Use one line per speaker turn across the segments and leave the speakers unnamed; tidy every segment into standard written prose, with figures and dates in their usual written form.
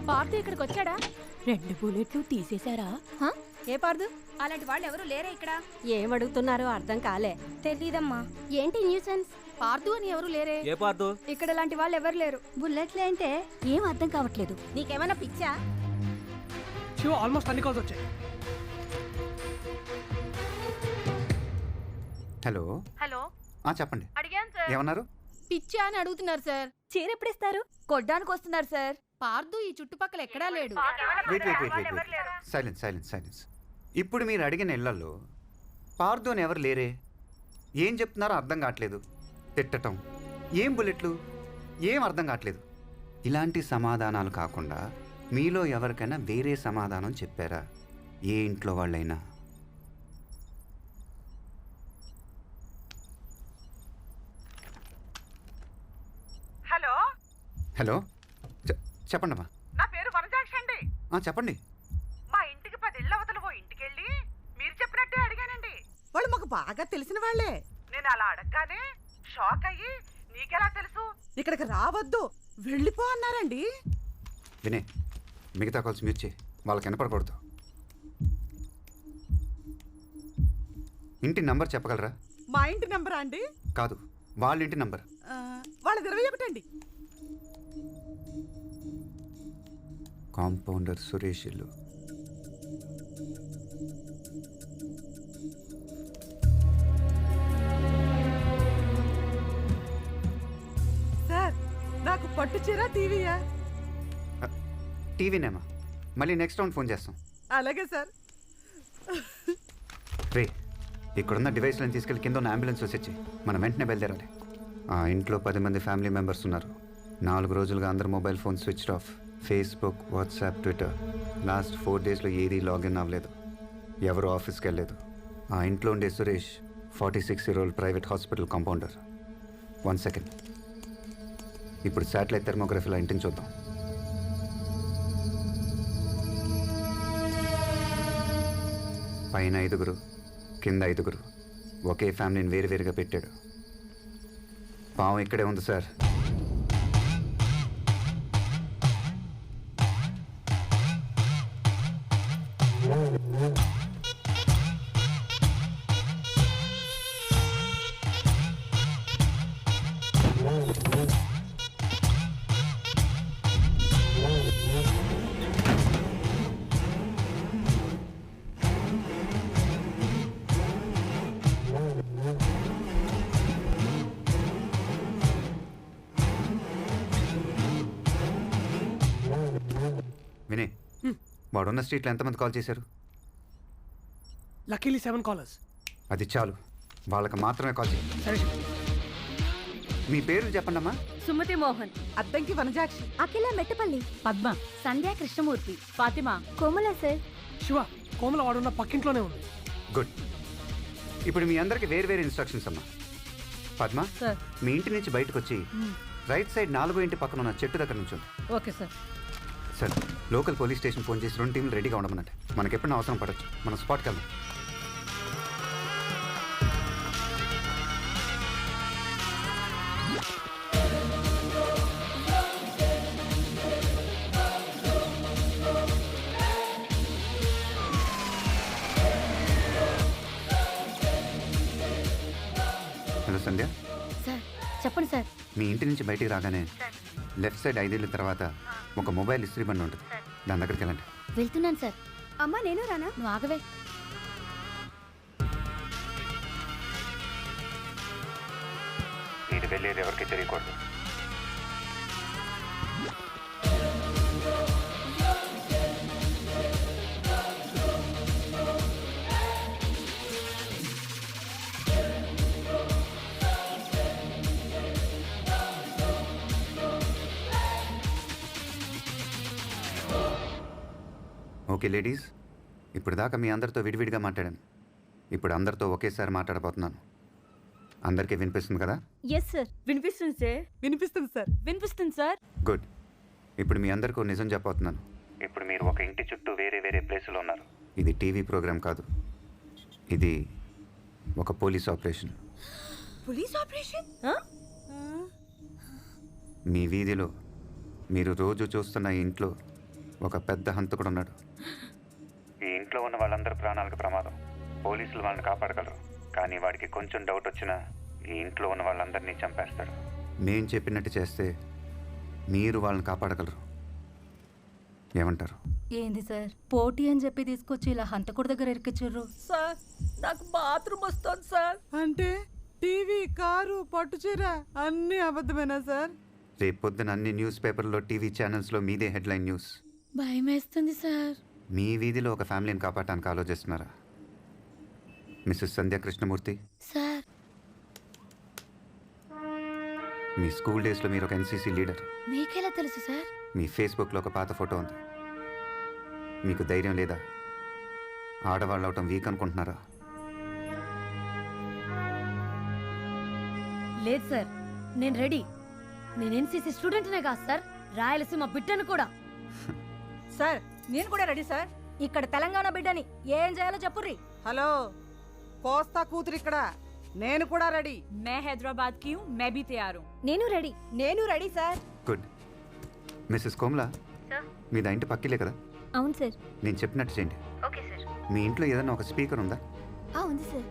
పార్థు ఇక్కడికి వచ్చాడా?
2 బుల్లెట్లు తీసేశారా?
ఏ పార్దు? అలాంటి వాళ్ళు ఎవరు లేరే ఇక్కడ.
ఏమడుగుతున్నారో అర్థం కాలే.
తెలీదమ్మా.
ఏంటి న్యూసెన్స్?
పార్దు అని ఎవరు లేరే.
ఏ పార్దు?
ఇక్కడ లాంటి వాళ్ళు ఎవరు లేరు.
బుల్లెట్లేంటే
ఏం అర్థం కావట్లేదు.
నీకేమైనా పిచ్చా?
శివ ఆల్మోస్ట్ అన్ని కాల్స్ వచ్చాయి.
హలో
హలో,
చెప్పండి.
అడిగాను సార్.
ఏమన్నారు?
పిచ్చా అని అడుగుతున్నారు సార్.
చీర ఎప్పుడిస్తారు?
కొడ్డానికి వస్తున్నారు సార్. పార్దు ఈ చుట్టుపక్కల ఎక్కడా లేడు.
వెయిట్. సైలెన్స్. ఇప్పుడు మీరు అడిగిన ఇళ్లలో పార్దు అని ఎవరు లేరే. ఏం చెప్తున్నారో అర్థం కావట్లేదు. తిట్టటం, ఏం బుల్లెట్లు, ఏం అర్థం కావట్లేదు. ఇలాంటి సమాధానాలు కాకుండా మీలో ఎవరికైనా వేరే సమాధానం చెప్పారా? ఏ ఇంట్లో వాళ్ళైనా? హలో చెప్పండి అమ్మా.
నా పేరు వనజాక్షి అండి.
చెప్పండి.
మా ఇంటికి 10 ఇళ్ళ అవతల ఓ ఇంటికెళ్ళి మీరు చెప్పినట్టే అడిగానండి. వాళ్ళు మాకు బాగా తెలిసిన వాళ్ళే. నేను అలా అడగగానే షాక్ అయ్యి నీకెలా తెలుసు, ఇక్కడికి రావద్దు వెళ్ళిపో అన్నారండి.
వినే, మిగతా కాల్స్ మ్యూట్ చేయి, వాళ్ళకి వినపడకూడదు. ఇంటి నంబర్ చెప్పగలరా?
మా ఇంటి నెంబరా అండి?
కాదు, వాళ్ళ ఇంటి నంబర్.
వాళ్ళది 21 అండి.
కాంపౌండర్ సురేష్ ఇల్లు.
సార్, నాకు పట్టు చీర టీవీయా?
టీవీనేమా, మళ్ళీ నెక్స్ట్ రౌండ్ ఫోన్ చేస్తాం.
అలాగే సార్.
రే, ఇక్కడున్న డివైస్లను తీసుకెళ్ళి కింద ఉన్న అంబులెన్స్ వచ్చి మనం వెంటనే బయలుదేరాలి. ఆ ఇంట్లో 10 మంది ఫ్యామిలీ మెంబర్స్ ఉన్నారు. 4 రోజులుగా అందరు mobile phone switch off. Facebook, WhatsApp, Twitter last 4 డేస్లో ఏదీ లాగిన్ అవ్వలేదు. ఎవరు ఆఫీస్కి వెళ్ళలేదు. ఆ ఇంట్లో ఉండే Suresh 46-year-old private hospital compounder. 1 second. ఇప్పుడు శాటిలైట్ థెర్మోగ్రఫీలో ఇంటిని చూద్దాం. పైన 5, కింద 5. ఒకే ఫ్యామిలీని వేరువేరుగా పెట్టాడు. పాము ఇక్కడే ఉంది సార్. వినే, వాడున్న స్ట్రీట్లో ఎంతమంది కాల్ చేశారు?
Luckily 7 callers.
అది చాలు, వాళ్ళకి మాత్రమే కాల్ చేయండి.
సరే శివ.
మీ పేర్లు చెప్పండి అమ్మా.
సుమతి మోహన్,
అద్దంకి వనజాక్షి,
అఖిల మెట్టపల్లి,
పద్మ, సంధ్యా కృష్ణమూర్తి, ఫాతిమా,
కోమల సార్.
శివ, కోమల వాడున్న పక్కింట్లోనే ఉంది.
గుడ్. ఇప్పుడు మీ అందరికి వేరు ఇన్స్ట్రక్షన్స్ అమ్మా. పద్మ,
సార్.
మీ ఇంటి నుంచి బయటకు వచ్చి రైట్ సైడ్ 4వ ఇంటి పక్కన ఉన్న చెట్టు దగ్గర నుంచి.
Okay sir.
Sir, local police station phone చేసి 2 టీంలు రెడీగా ఉండమన్నట్టు. మనకి ఎప్పుడైనా అవసరం పడవచ్చు. మనం స్పాట్కి వెళ్దాం. హలో సంధ్య.
సార్ చెప్పండి సార్.
మీ ఇంటి నుంచి బయటికి రాగానే లెఫ్ట్ సైడ్ 5 ఏళ్ళ తర్వాత ఒక మొబైల్ ఇస్త్రీ బండి ఉంటుంది. దాని దగ్గరికి వెళ్ళండి.
వెళ్తున్నాను సార్.
అమ్మా నేను రానా?
నువ్వు ఆగవే.
ఇది వెళ్ళేది ఎవరికి తెలియకూడదు. ఓకే లేడీస్, ఇప్పుడు దాకా మీ అందరితో విడివిడిగా మాట్లాడాను. ఇప్పుడు అందరితో ఒకేసారి మాట్లాడబోతున్నాను. అందరికీ వినిపిస్తుంది కదా?
ఎస్ సార్, వినిపిస్తుంది సార్.
వినిపిస్తుంది సార్.
గుడ్. ఇప్పుడు మీ అందరికీ నిజం చెప్పబోతున్నాను. ఇప్పుడు మీరు ఒక ఇంటి చుట్టూ వేరే ప్లేసులో ఉన్నారు. ఇది టీవీ ప్రోగ్రామ్ కాదు, ఇది ఒక పోలీస్ ఆపరేషన్.
Police operation?
మీ వీధిలో మీరు రోజు చూస్తున్న ఇంట్లో ఒక పెద్ద హంతకుడు ఉన్నాడు. ఈ ఇంట్లో ఉన్న వాళ్ళందరి ప్రాణాలకు ప్రమాదం. పోలీసులు వాళ్ళని కాపాడగలరు, కానీ వాడికి కొంచెం డౌట్ వచ్చినా ఈ ఇంట్లో ఉన్న వాళ్ళందరినీ చంపేస్తాడు. మేం చెప్పినట్టు చేస్తే మీరు వాళ్ళని కాపాడగలరు. ఏమంటారు?
ఏంది సార్, పోటీ అని చెప్పి తీసుకొచ్చి ఇలా హంతకుడి దగ్గర ఇరికిచ్చిర్రు.
సార్ నాకు బాత్రూమ్ వస్తుంది సార్. అంటే టీవీ, కారు, పట్టుచీర అన్నీ అబద్ధమేనా సార్?
రేపు పొద్దున అన్ని న్యూస్ పేపర్లో, టీవీ ఛానల్స్లో మీదే హెడ్లైన్ న్యూస్.
భయమేస్తుంది సార్.
మీ వీధిలో ఒక ఫ్యామిలీని కాపాడటానికి ఆలోచిస్తున్నారా మిస్సెస్ సంధ్య కృష్ణమూర్తి?
సార్,
మీ స్కూల్ డేస్లో మీరు ఒక ఎన్సీసీ లీడర్.
మీకెలా తెలుసు సార్?
మీ ఫేస్బుక్లో ఒక పాత ఫోటో ఉంది. మీకు ధైర్యం లేదా? ఆడవాళ్ళు అవటం వీక్ అనుకుంటున్నారా?
లేదు సార్, నేను రెడీ. నేను ఎన్సీసీ స్టూడెంట్నే కాదు సార్, రాయలసీమ బిడ్డను కూడా.
సార్ నేను కూడా రెడీ సార్.
ఇక్కడ తెలంగాణ బిడ్డని, ఏం చేయాలో చెప్పుర్రి.
హలో, కోస్తా కూతురు ఇక్కడ. నేను కూడా రెడీ.
मैं हैदराबाद की हूँ, मैं भी तैयार हूँ.
నేను ready sir.
Good. Mrs Komla, మీది ఇంటి పక్కిలే కదా?
అవును సార్.
నేను చెప్పినట్టు చేయండి.
Okay sir.
మీ ఇంట్లో ఏదైనా ఒక స్పీకర్ ఉందా?
ఉంది సార్.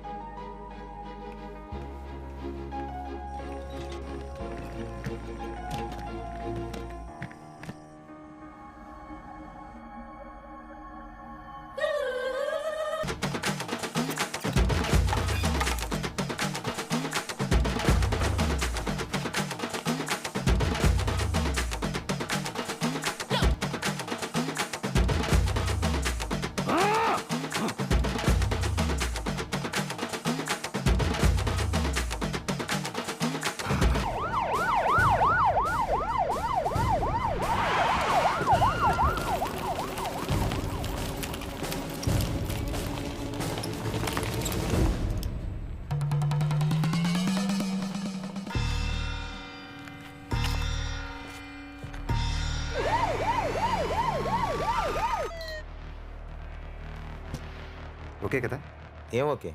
ఓకే కదా?
ఏం ఓకే?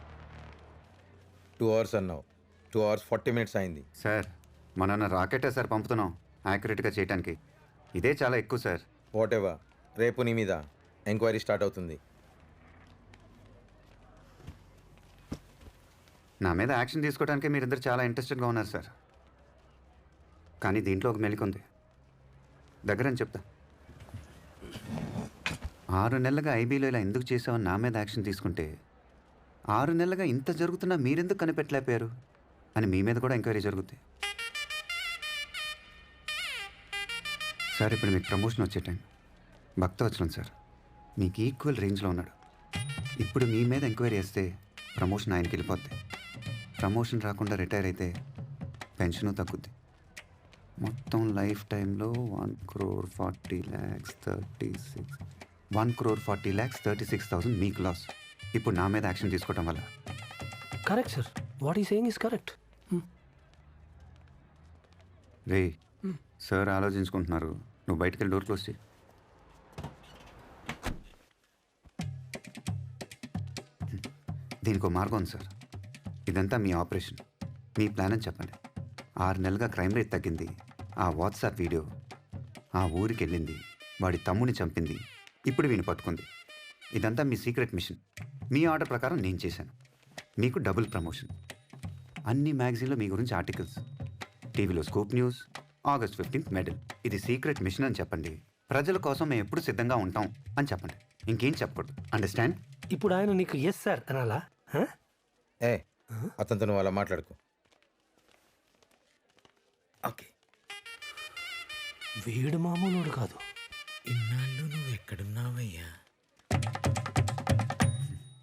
2 hours అన్నావు, 2 hours 40 minutes అయింది.
సార్, మన రాకెటే సార్ పంపుతున్నాం యాక్యురేట్గా చేయడానికి. ఇదే చాలా ఎక్కువ సార్.
వాట్ ఎవర్, రేపు నీ మీద ఎంక్వైరీ స్టార్ట్ అవుతుంది.
నా మీద యాక్షన్ తీసుకోవడానికి మీరిద్దరు చాలా ఇంట్రెస్టెడ్గా ఉన్నారు సార్. కానీ దీంట్లో ఒక మెలిక ఉంది. దగ్గరని చెప్తా. 6 నెలలుగా ఐబీలో ఇలా ఎందుకు చేసామని నా మీద యాక్షన్ తీసుకుంటే, 6 నెలలుగా ఇంత జరుగుతున్నా మీరెందుకు కనిపెట్టలేకపోయారు అని మీ మీద కూడా ఎంక్వైరీ జరుగుద్ది. సార్, ఇప్పుడు మీకు ప్రమోషన్ వచ్చే టైం. భక్తవచలం సార్ మీకు ఈక్వల్ రేంజ్లో ఉన్నాడు. ఇప్పుడు మీ మీద ఎంక్వైరీ చేస్తే ప్రమోషన్ ఆయనకి వెళ్ళిపోద్ది. ప్రమోషన్ రాకుండా రిటైర్ అయితే పెన్షను తగ్గుద్ది. మొత్తం లైఫ్ టైంలో 1,40,36,000 మీకు లాస్. ఇప్పుడు నా మీద యాక్షన్ తీసుకోవడం వల్ల.
Correct sir, what he saying is correct.
రే సార్ ఆలోచించుకుంటున్నారు, నువ్వు బయటికి వెళ్ళి డోర్ క్లోజ్ చేయి. దీనికి ఒక మార్గం ఉంది సార్. ఇదంతా మీ ఆపరేషన్, మీ ప్లాన్ అని చెప్పండి. 6 నెలలుగా క్రైమ్ రేట్ తగ్గింది. ఆ వాట్సాప్ వీడియో ఆ ఊరికి వెళ్ళింది, వాడి తమ్ముని చంపింది, ఇప్పుడు వీని పట్టుకుంది. ఇదంతా మీ సీక్రెట్ మిషన్. మీ ఆర్డర్ ప్రకారం నేను చేశాను. మీకు డబుల్ ప్రమోషన్. అన్ని మ్యాగజైన్లో మీ గురించి ఆర్టికల్స్, టీవీలో scoop news, August 15th medal. ఇది సీక్రెట్ మిషన్ అని చెప్పండి. ప్రజల కోసం మేము ఎప్పుడు సిద్ధంగా ఉంటాం అని చెప్పండి. ఇంకేం చెప్పకూడదు. అండర్స్టాండ్?
ఇప్పుడు ఆయన నీకు ఎస్ సార్ అనాలా?
ఏ అతనితో నువ్వు అలా మాట్లాడుకో. ఓకే,
వీడు మామూలుడు కాదు.
ఇన్నాళ్ళు నువ్వు ఎక్కడున్నావయ్యా?